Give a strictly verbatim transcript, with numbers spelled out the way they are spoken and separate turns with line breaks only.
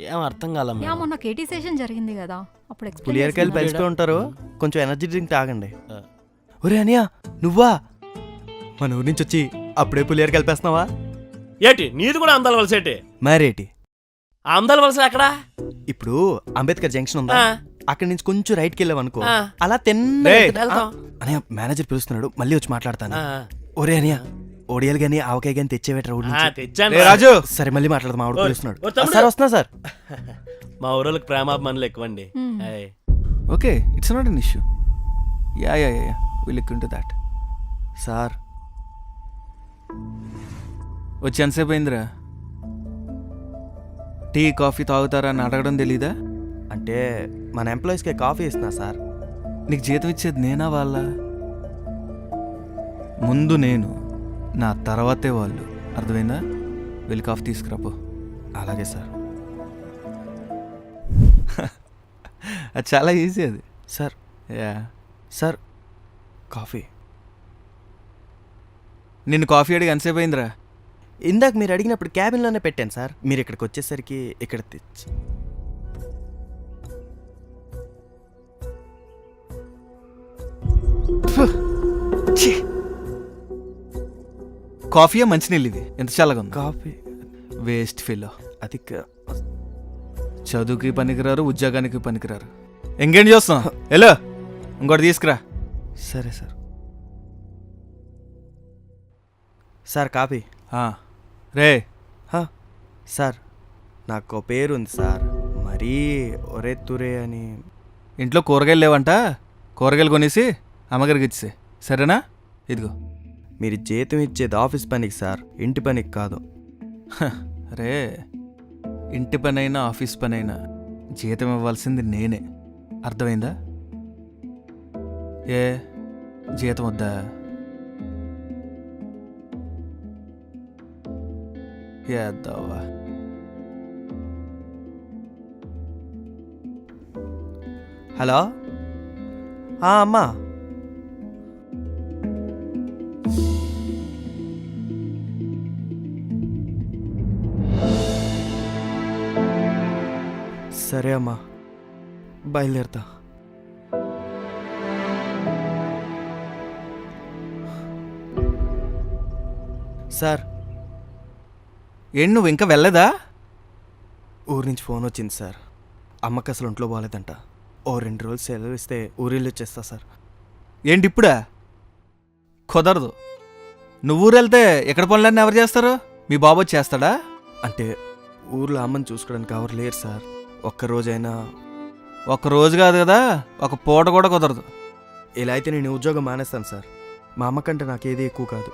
ఏం అర్థం కాలం
యా మొన్న కేటీ సెషన్ జరిగింది కదా అప్పుడు explain
పులియరకాయలు
చేస్తున్నారు.
పెంచుతూ ఉంటారు, కొంచెం ఎనర్జీ డ్రింక్ తాగండి. ఒరే అనియా నువ్వా మన ఊరి నుంచి వచ్చి అప్పుడే పులియర కలిపేస్తున్నావా?
ఏటి నీది కూడా అందాల వలస ఏటి?
మరేటి
ఆ అందాల వలస ఎక్కడా?
ఇప్పుడు అంబేద్కర్ జంక్షన్ ఉందా,
ఆ,
అక్కడి నుంచి కొంచెం రైట్కి వెళ్ళావనుకో,
ఆ.
అలా తిన్న
వెళ్తాం.
అనియా మేనేజర్ పిలుస్తున్నాడు, మళ్ళీ వచ్చి మాట్లాడతాను.
ఆ,
ఒరే అనియా ఒడియాలు గానీ ఆవకాయ గానీ తెచ్చేవేట్రా ఊరి
ఆ,
నుంచి.
తెచ్చాను
రే
రా.
రాజు సరే మళ్ళీ మాట్లాడదాం, ఆవిడ
ఓ,
పిలుస్తున్నాడు.
ఓ తమ్ముడు.
సార్ వస్తున్నా సార్.
మా ఊరోళ్ళకి ప్రేమాభిమానులు ఎక్కువండి.
Hmm.
ఏయ్.
Okay it's not an issue. Yeah yeah yeah will look into that.
Sir
వచ్చి ఎంతసేపు అయిందిరా? టీ కాఫీ తాగుతారా అని అడగడం తెలీదా?
అంటే మన ఎంప్లాయీస్కి కాఫీ ఇస్తున్నా సార్.
నీకు జీతం ఇచ్చేది నేనా వాళ్ళ? ముందు నేను, నా తర్వాతే వాళ్ళు. అర్థమైందా? వెళ్ళి కాఫీ తీసుకురాపో.
అలాగే సార్.
అది చాలా ఈజీ అది.
Sir
yeah
sir coffee.
నిన్ను కాఫీ అడిగి ఎంతసేపు అయిందిరా?
ఇందాక మీరు అడిగినప్పుడు క్యాబిన్లోనే పెట్టాను సార్, మీరు ఇక్కడికి వచ్చేసరికి ఇక్కడ తెచ్చి.
కాఫీయే మంచినీళ్ళు ఇవి, ఎంత చల్లగా ఉంది.
Coffee
waste feel.
అది క-
చదువుకి పనికిరారు, ఉద్యోగానికి పనికిరారు. ఎంగేం చేస్తాం? హలో ఇంకోటి తీసుకురా.
సరే సార్. Sir coffee.
ఆ, రే
హా, సార్ నాకు పేరు ఉంది సార్, మరీ ఒరే తురే అని.
ఇంట్లో కూరగాయలు లేవంట, కూరగాయలు కొనేసి అమ్మగారికి ఇచ్చే సరేనా? ఇదిగో.
మీరు జీతం ఇచ్చేది ఆఫీస్ పనికి సార్, ఇంటి పనికి కాదు.
హ, రే ఇంటి పనైనా ఆఫీస్ పనైనా జీతం ఇవ్వాల్సింది నేనే. అర్థమైందా? ఏ జీతం వద్దా? ఏద్దావా?
హలో అమ్మా, సరే అమ్మా బయలుదేరుతా. సార్
ఏంటి నువ్వు ఇంకా వెళ్ళలేదా?
ఊరి నుంచి ఫోన్ వచ్చింది సార్, అమ్మకి అసలు ఒంట్లో బాగాలేదంట. ఓ రెండు రోజులు సెలవు ఇస్తే ఊరిల్లు వచ్చేస్తా సార్.
ఏంటి ఇప్పుడా? కుదరదు. నువ్వు ఊరు వెళ్తే ఎక్కడ పనులన్నీ ఎవరు చేస్తారు? మీ బాబు వచ్చి చేస్తాడా?
అంటే ఊర్లో అమ్మని చూసుకోవడానికి ఎవరు లేరు సార్, ఒక్కరోజైనా.
ఒక రోజు కాదు కదా, ఒక పూట కూడా కుదరదు.
ఇలా అయితే నేను ఉద్యోగం మానేస్తాను సార్. మా అమ్మ కంటే నాకేది ఎక్కువ కాదు.